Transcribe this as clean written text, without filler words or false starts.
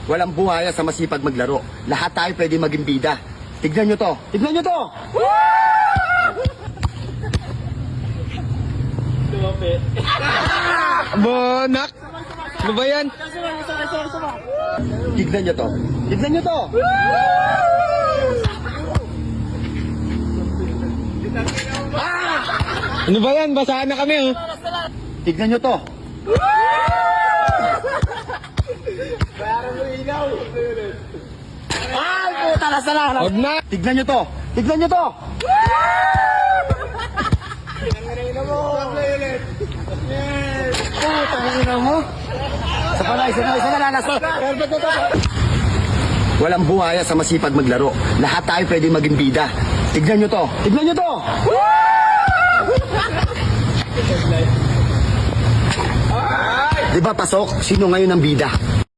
Walang buhaya sa masipag maglaro. Lahat tayo pwede maging bida. Tignan nyo to. Tignan nyo to! Bonak! Ano ba yan? Tignan nyo to. Tignan nyo to! Ano ba yan? Basahan na kami, oh. Tignan nyo to. Ay, puta na sana. Huwag na! Tignan nyo to. Tignan nyo to. Puta na mo. Isa na lalas. Walang buhaya sa masipag maglaro. Lahat tayo pwede maging bida. Tignan nyo to. Tignan nyo to. Diba pasok? Sino ngayon ang bida?